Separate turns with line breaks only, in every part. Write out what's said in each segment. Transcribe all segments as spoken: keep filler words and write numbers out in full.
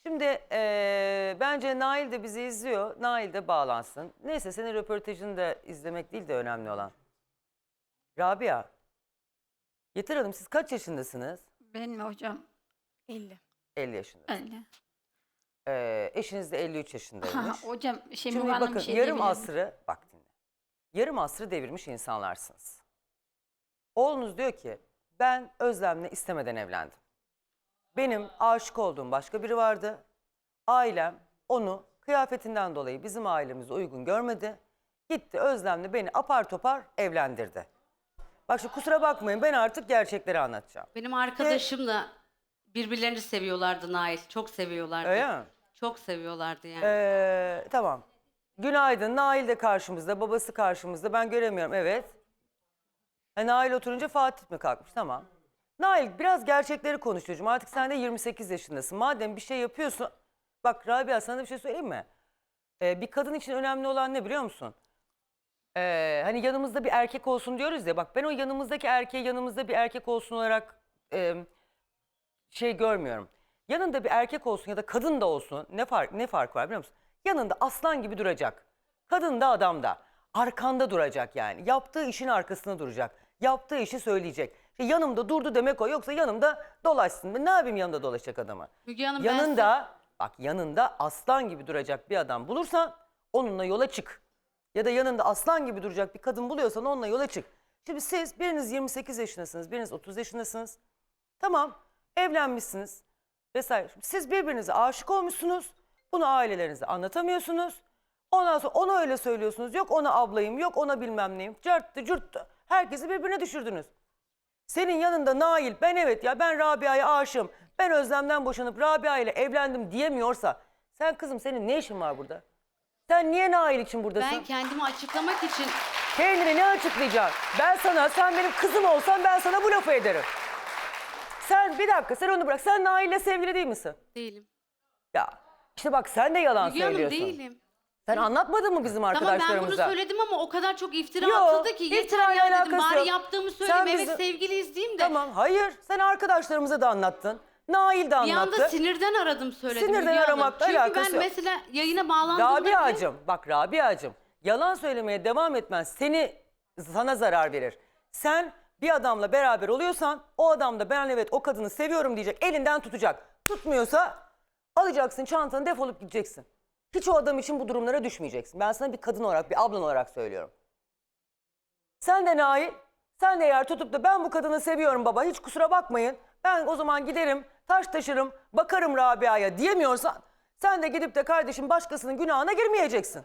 Şimdi eee, bence Nail de bizi izliyor. Nail de bağlansın. Neyse senin röportajını da izlemek değil de önemli olan. Rabia. Yeter Hanım siz kaç yaşındasınız?
Benim hocam elli.
elli yaşında.
elli.
Ee, eşiniz de elli üç
Ha,
yaşındaymış.
hocam şey
Şimdi
Müge Hanım
bakın
bir şey
yarım
diyebilir miyim?
asrı bak dinle. Yarım asrı devirmiş insanlarsınız. Oğlunuz diyor ki ben Özlem'le istemeden evlendim. Benim aşık olduğum başka biri vardı. Ailem onu kıyafetinden dolayı bizim ailemize uygun görmedi. Gitti Özlem'le beni apar topar evlendirdi. Bak şu kusura bakmayın ben artık gerçekleri anlatacağım.
Benim arkadaşım da birbirlerini seviyorlardı Nail. Çok seviyorlardı.
Öyle mi?
Çok seviyorlardı yani.
Ee, tamam. Günaydın. Nail de karşımızda, babası karşımızda. Ben göremiyorum, evet. Ha, Nail oturunca Fatih mi kalkmış? Tamam. Nail biraz gerçekleri konuş çocuğum. Artık sen de yirmi sekiz yaşındasın. Madem bir şey yapıyorsun... Bak Rabia sana bir şey söyleyeyim mi? Ee, bir kadın için önemli olan ne biliyor musun? Ee, hani yanımızda bir erkek olsun diyoruz ya. Bak ben o yanımızdaki erkeği yanımızda bir erkek olsun olarak... E, şey görmüyorum. Yanında bir erkek olsun ya da kadın da olsun ne fark ne fark var biliyor musun? Yanında aslan gibi duracak. Kadın da adam da. Arkanda duracak yani. Yaptığı işin arkasında duracak. Yaptığı işi söyleyecek. İşte yanımda durdu demek o. Yoksa yanımda dolaşsın. Ben ne yapayım yanında dolaşacak adamı?
Müge Hanım, ben
Yanında bak yanında aslan gibi duracak bir adam bulursan onunla yola çık. Ya da yanında aslan gibi duracak bir kadın buluyorsan onunla yola çık. Şimdi siz biriniz yirmi sekiz yaşındasınız, biriniz otuz yaşındasınız. Tamam. Evlenmişsiniz vesaire. Siz birbirinize aşık olmuşsunuz. Bunu ailelerinize anlatamıyorsunuz. Ondan sonra ona öyle söylüyorsunuz. Yok ona ablayım, yok ona bilmem neyim. Cırttı cırttı. Herkesi birbirine düşürdünüz. Senin yanında Nail, ben evet ya ben Rabia'ya aşığım. Ben Özlem'den boşanıp Rabia ile evlendim diyemiyorsa. Sen kızım senin ne işin var burada? Sen niye Nail için buradasın?
ben kendimi açıklamak için
Kendini ne açıklayacaksın? Ben sana, sen benim kızım olsan ben sana bu lafı ederim. Sen bir dakika sen onu bırak. Sen Nail'le sevgili değil misin?
değilim.
Ya işte bak sen de yalan
Müge Hanım
söylüyorsun.
değilim.
Sen anlatmadın mı bizim
Tamam ben
arkadaşlarımıza?
bunu söyledim ama o kadar çok iftira
Yok,
atıldı ki yeter
iftirayla
ya dedim.
alakası
Bari
yok.
yaptığımı
Sen
söyleyeyim. Evet
bizi-
sevgiliyiz diyeyim de.
Tamam hayır sen arkadaşlarımıza da anlattın. Nail de
Bir
anlattı.
anda sinirden aradım söyledim.
Sinirden
Müge Hanım.
aramakla
Çünkü
alakası
ben
yok.
mesela yayına bağlandığımda bile-
Rabia'cığım bak Rabia'cığım yalan söylemeye devam etmen seni sana zarar verir. Sen bir adamla beraber oluyorsan o adam da ben evet o kadını seviyorum diyecek elinden tutacak. Tutmuyorsa alacaksın çantanı defolup gideceksin. Hiç o adam için bu durumlara düşmeyeceksin. Ben sana bir kadın olarak bir ablan olarak söylüyorum. Sen de Nail sen de eğer tutup da ben bu kadını seviyorum baba hiç kusura bakmayın. Ben o zaman giderim taş taşırım bakarım Rabia'ya diyemiyorsan sen de gidip de kardeşim başkasının günahına girmeyeceksin.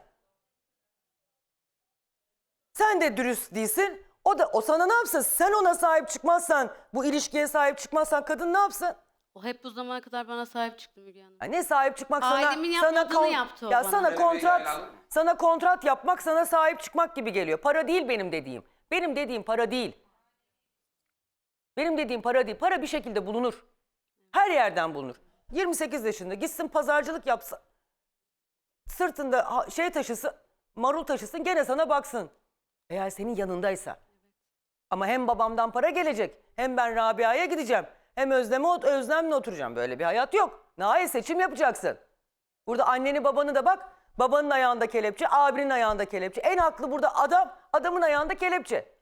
Sen de dürüst değilsin. O da o sana ne yapsın? Sen ona sahip çıkmazsan, bu ilişkiye sahip çıkmazsan kadın ne yapsın?
O hep bu zamana kadar bana sahip çıktı Müge Hanım.
Ya ne sahip çıkmak sana?
Ailemin
sana
yapmadığını yaptı o
ya
bana.
sana
Benim
kontrat,
yayın aldım.
sana kontrat yapmak sana sahip çıkmak gibi geliyor. Para değil benim dediğim. Benim dediğim para değil. Benim dediğim para değil. Para bir şekilde bulunur. Her yerden bulunur. yirmi sekiz yaşında gitsin pazarcılık yapsa, sırtında ha- şey taşısın, marul taşısın gene sana baksın. Eğer senin yanındaysa. Ama hem babamdan para gelecek, hem ben Rabia'ya gideceğim, hem Özlem'e ot- Özlem'le oturacağım. Böyle bir hayat yok. Nail seçim yapacaksın. Burada anneni babanı da bak, babanın ayağında kelepçe, abinin ayağında kelepçe. En haklı burada adam, adamın ayağında kelepçe.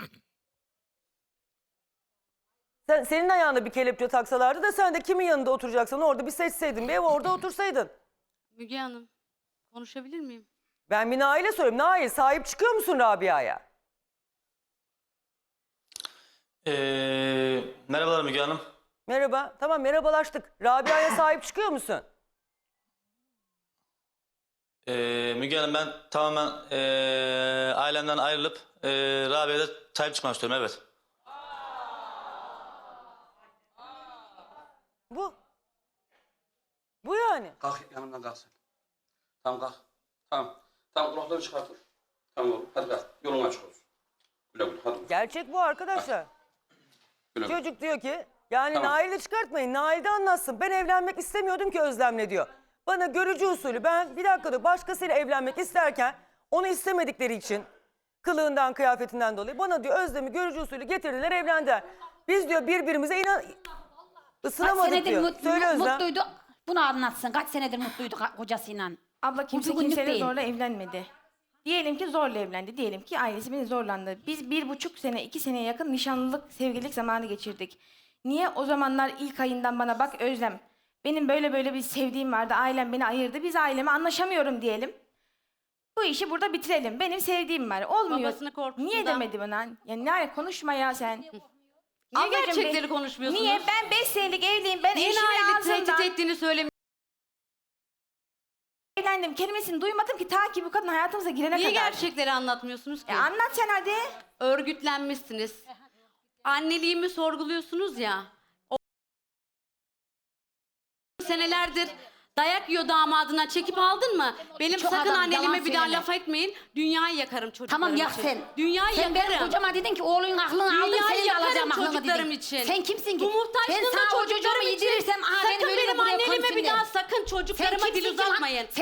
Sen, senin ayağında bir kelepçe taksalardı da sen de kimin yanında oturacaksan orada bir seçseydin, bir ev orada otursaydın.
Müge Hanım konuşabilir miyim?
Ben bir Nail'e soruyorum. Nail sahip çıkıyor musun Rabia'ya?
Ee, merhabalar Müge Hanım.
Merhaba. Tamam merhabalaştık. Rabia'ya sahip çıkıyor musun?
Ee, Müge Hanım ben tamamen ee, ailemden ayrılıp ee, Rabia'ya da sahip çıkmak istiyorum, evet.
Bu. Bu yani.
Kalk yanımdan kalk sen. Tamam kalk. Tamam. Tamam kulaklarını çıkartır. Tamam oğlum hadi kalk. Yolun açık olsun. Güle güle hadi.
Gerçek bu arkadaşlar.
Güle güle.
Çocuk diyor ki yani
Tamam.
Nail'i çıkartmayın. Nail de anlatsın. Ben evlenmek istemiyordum ki Özlem'le diyor. Bana görücü usulü ben bir dakika diyor başkasıyla evlenmek isterken onu istemedikleri için kılığından kıyafetinden dolayı bana diyor Özlem'i görücü usulü getirdiler evlendiler. Biz diyor birbirimize inan
Kaç
ısınamadık
senedir
diyor.
mut-
Söyle Özlem.
mutluydu. Bunu anlatsın. Kaç senedir mutluydu ka- kocasıyla.
Abla kimse
bugünlük
kimseyle
değil.
zorla evlenmedi. Diyelim ki zorla evlendi. Diyelim ki ailesi beni zorlandı. Biz bir buçuk sene, iki seneye yakın nişanlılık, sevgililik zamanı geçirdik. Niye o zamanlar ilk ayından bana bak Özlem, benim böyle böyle bir sevdiğim vardı, ailem beni ayırdı, biz aileme anlaşamıyorum diyelim. Bu işi burada bitirelim. Benim sevdiğim var. Olmuyor.
Babasını korkuttu
Niye
da.
demedi bana? Ya ne konuşma ya sen.
Niye
Ablacığım,
gerçekleri
be-
konuşmuyorsunuz?
Niye? Ben beş senelik evliyim. Ben
Niye
eşimin
Nail'i tehdit
ağzından
ettiğini söylemiyorsunuz?
evlendim kelimesini duymadım ki ta ki bu kadın hayatımıza girene
Niye
kadar.
gerçekleri anlatmıyorsunuz ki?
Ya anlat sen hadi.
Örgütlenmişsiniz. Anneliğimi sorguluyorsunuz ya. O senelerdir dayak yiyor damadına, çekip aldın mı? Benim
Çok
sakın
adam,
anneliğime
yalan
bir daha
söyleme.
laf etmeyin. Dünyayı yakarım çocuklarım
Tamam yak
için.
sen.
Dünyayı
sen benim
yakarım.
kocama dedin ki oğlunun aklını aldım
Dünyayı
senin de
yakarım
alacağım aklını
çocuklarım
dedin.
için.
Sen kimsin ki?
Bu muhtaçlığında
Ben sana o çocuğumu
çocuklarım için.
yedirirsem aa,
Sakın
benim,
benim
buraya
anneliğime bir
koysunlar.
daha sakın çocuklarıma
Sen
dil
kimsin ki lan?
uzatmayın.
Sen-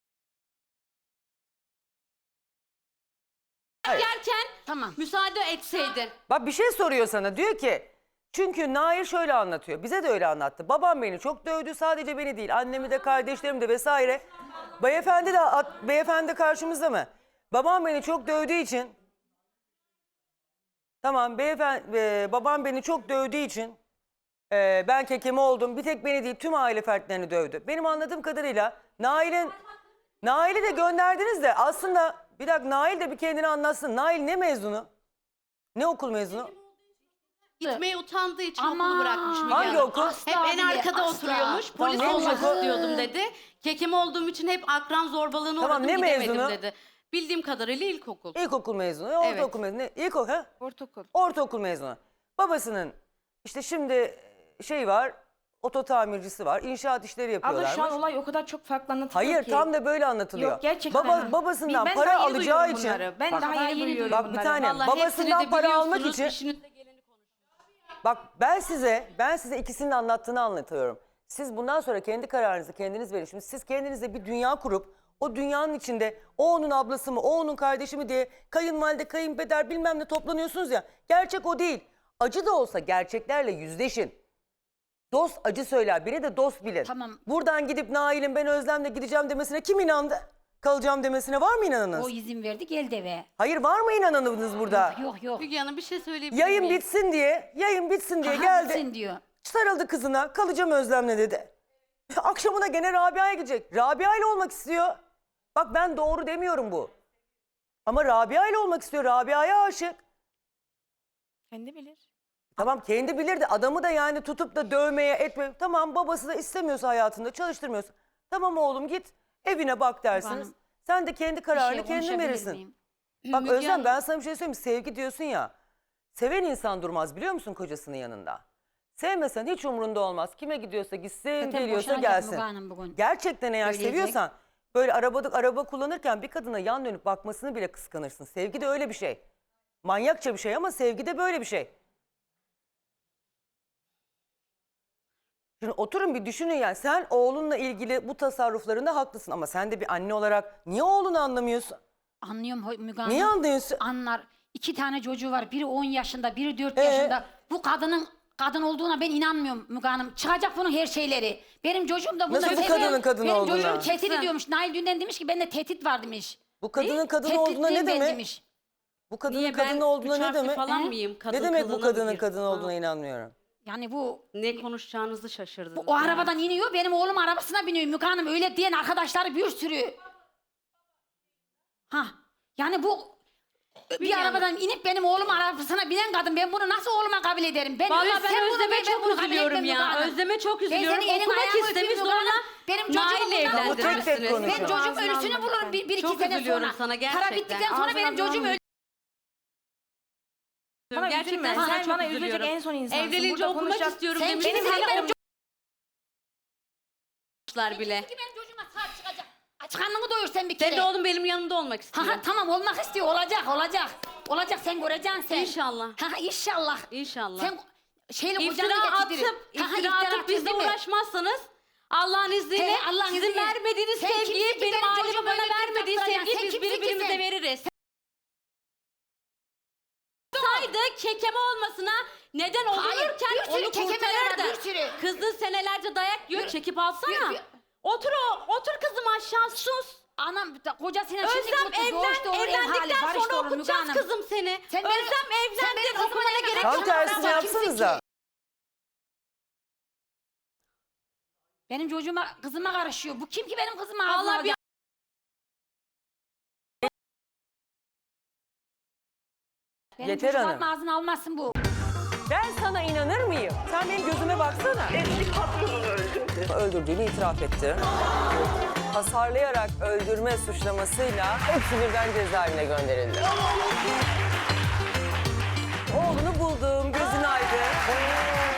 Yerken
Tamam.
müsaade etseydin.
Bak bir şey soruyor sana. Diyor ki çünkü Nail şöyle anlatıyor. Bize de öyle anlattı. Babam beni çok dövdü. Sadece beni değil. Annemi de kardeşlerimi de vesaire. Beyefendi de at- beyefendi karşımızda mı? Babam beni çok dövdüğü için tamam beyefendi e, babam beni çok dövdüğü için e, ben kekeme oldum. Bir tek beni değil tüm aile fertlerini dövdü. Benim anladığım kadarıyla Nail'in Nail'i de gönderdiniz de aslında bir dakika Nail de bir kendini anlatsın. Nail ne mezunu? Ne okul mezunu?
Gitmeye utandığı için
Aman.
okulu bırakmış Müge
Hangi
Hanım.
okul?
Hep en
Asla
arkada
bile,
oturuyormuş.
asla.
Polis
Tamam,
olmak
neymiş okul?
istiyordum dedi. Kekem olduğum için hep akran zorbalığına
Tamam,
uğradım
ne
gidemedim
mezunu?
dedi. Bildiğim kadarıyla ilkokul.
İlkokul mezunu. Ortaokul
Evet.
mezunu. İlkokul ha?
Ortaokul.
Ortaokul mezunu. Babasının işte şimdi şey var, oto tamircisi var, inşaat işleri
Abla
yapıyorlarmış.
şu an olay o kadar çok farklı anlatılıyor
Hayır
ki.
tam da böyle anlatılıyor.
Yok gerçekten.
Baba, babasından
Ben
para
daha yeni
alacağı
duyuyorum
için.
bunları. Ben
Bak,
daha
daha
yeni
yeni
duyuyorum
bak bir
bunları.
tane
Vallahi
babasından
hepsini de
para almak
biliyorsunuz,
için.
işinizde geleni konuşun.
Bak ben size ben size ikisinin de anlattığını anlatıyorum. Siz bundan sonra kendi kararınızı kendiniz verin. Şimdi siz kendinize bir dünya kurup o dünyanın içinde o onun ablası mı o onun kardeşi mi diye kayınvalide kayınpeder bilmem ne toplanıyorsunuz ya. Gerçek o değil. Acı da olsa gerçeklerle yüzleşin. Dost acı söyler, biri de dost bilir.
Tamam.
Buradan gidip Nail'in ben Özlem'le gideceğim demesine kim inandı? Kalacağım demesine var mı inanınız?
O izin verdi geldi eve.
Hayır var mı inanınız burada?
Yok yok.
Müge Hanım bir şey söyleyebilir
Yayın
miyim?
bitsin diye, yayın bitsin diye
Aha,
geldi.
bitsin diyor.
Sarıldı kızına, kalacağım Özlem'le dedi. Akşamına gene Rabia'ya gidecek. Rabia ile olmak istiyor. Bak ben doğru demiyorum bu. Ama Rabia ile olmak istiyor. Rabia'ya aşık.
Kendi bilir.
Tamam kendi bilirdi. Adamı da yani tutup da dövmeye etme. Tamam babası da istemiyorsa hayatında çalıştırmıyorsa. Tamam oğlum git evine bak dersiniz.
Hanım,
Sen de kendi
Bir
kararını
şey
kendin
konuşabilir
verirsin.
miyim?
Bak
Müge
Özlem
Hanım.
ben sana bir şey söyleyeyim mi? Sevgi diyorsun ya. Seven insan durmaz biliyor musun kocasının yanında? Sevmesen hiç umrunda olmaz. Kime gidiyorsa gitsin,
Zaten
geliyorsa
boşanacak
gelsin.
Müge Hanım bugün.
Gerçekten eğer
Söyleyecek.
seviyorsan böyle arabada araba kullanırken bir kadına yan dönüp bakmasını bile kıskanırsın. Sevgi de öyle bir şey. Manyakça bir şey ama sevgi de böyle bir şey. Şimdi oturun bir düşünün yani sen oğlunla ilgili bu tasarruflarında haklısın ama sen de bir anne olarak niye oğlunu anlamıyorsun?
Anlıyorum Ho- Müge Hanım.
Niye anlıyorsun?
Anlar. İki tane çocuğu var. Biri on yaşında, biri dört
Ee?
yaşında. Bu kadının kadın olduğuna ben inanmıyorum Müge Hanım. Çıkacak bunun her şeyleri. Benim çocuğum da bunu
Nasıl bir
seviyor.
kadının kadın
Benim
olduğuna?
çocuğum tehdit ediyormuş. Nail dünden demiş ki bende tehdit var demiş.
Bu kadının kadın
Tehditliyim
olduğuna ne
ben
demek?
demiş.
Bu kadının
Niye ben
kadın olduğuna
üç
ne
harfli
demek?
falan
He?
mıyım? Kadın
Ne demek bu
kılığına
kadının
mı
kadın
girdim?
olduğuna inanmıyorum.
Yani bu
Ne konuşacağınızı şaşırdınız.
o
ya.
arabadan iniyor. Benim oğlum arabasına biniyor. Müge Hanım öyle diyen arkadaşları bir sürü. Ha. Yani bu bir
Müge Hanım.
arabadan inip benim oğlum arabasına binen kadın ben bunu nasıl oğluma kabul ederim? Ben
Vallahi
ölsem
ben
bunu
Özlem'e
ben
çok
bunu kabul
üzülüyorum
etmem
ya.
Müge Hanım.
Özlem'e çok
Ben
üzülüyorum.
senin elin
Okumak
ayağını
istemiş
öpeyim Müge
sonra
Hanım. Benim çocuğumu
Nail'le
bundan
Bu tek tek
evlendirmişsiniz.
konuşuyor.
Ben çocuğum
Ağzını
ölüsünü
alma
bulurum bir, bir iki
Çok
sene
üzülüyorum
sonra.
sana
Para
gerçekten.
bittikten sonra
Ağzını
benim çocuğum
alma.
öldü.
Bana
Gerçekten
üzülme.
sana
Sen
çok
bana üzülecek
üzülüyorum.
en son insansın.
Evlenince
Burada
okumak
konuşacak-
istiyorum
Sen
demişler
kimsin benim çocuğum?
bile.
Ki benim çocuğuma sahip çıkacak. Aç karnını doyur sen bir kere.
Senin de oğlum benim yanımda olmak istiyor.
Ha ha tamam olmak istiyor olacak olacak. Olacak sen göreceksin sen.
İnşallah.
Ha ha inşallah.
İnşallah.
Sen şeyle
İftira
kocanı
atıp,
getirir. Ha, ha,
iftira atıp bizle
değil mi?
uğraşmazsanız Allah'ın izniyle
He, Allah'ın
sizin
izniyle.
vermediğiniz
Sen kimsin
sevgiyi
ki
benim
benim
ailemin
çocuğumu
bana
öyle bir
vermediği
taktıracaksın?
sevgiyi
Sen
biz
kimsin ki
birbirimize
sen?
veririz. Saydı kekeme olmasına neden olurken
bir sürü
onu
kekemeler var,
kurtarır da.
bir sürü.
Kızın senelerce dayak yiyor,
Bir-
çekip alsana.
bir- bir-
Otur o, otur kızım aşağı, sus.
Anam kocasıyla şimdi
Özlem
mutlu,
evlen,
doğuşta olur, ev hali,
evlendikten
barış
sonra
olur Müge
okutacağız
Hanım.
kızım seni.
Sen benim-
Özlem
sen
evlendi,
benim kızıma
okumana
ne
gerek
kadar
Tam
yok.
tersini
Sen
yapsanıza.
Benim çocuğuma, kızıma karışıyor. Bu kim ki benim kızıma ağzına
Allah bir
alacak? Benim
Yeter
çocuğum
Hanım.
ağzına almasın bu.
Ben sana inanır mıyım? Sen benim gözüme baksana.
Eski patronunu öldürdü.
Öldürdüğünü itiraf etti. Hasarlayarak öldürme suçlamasıyla hepsi birden cezaevine gönderildi. Oğlunu buldum, gözün aydın.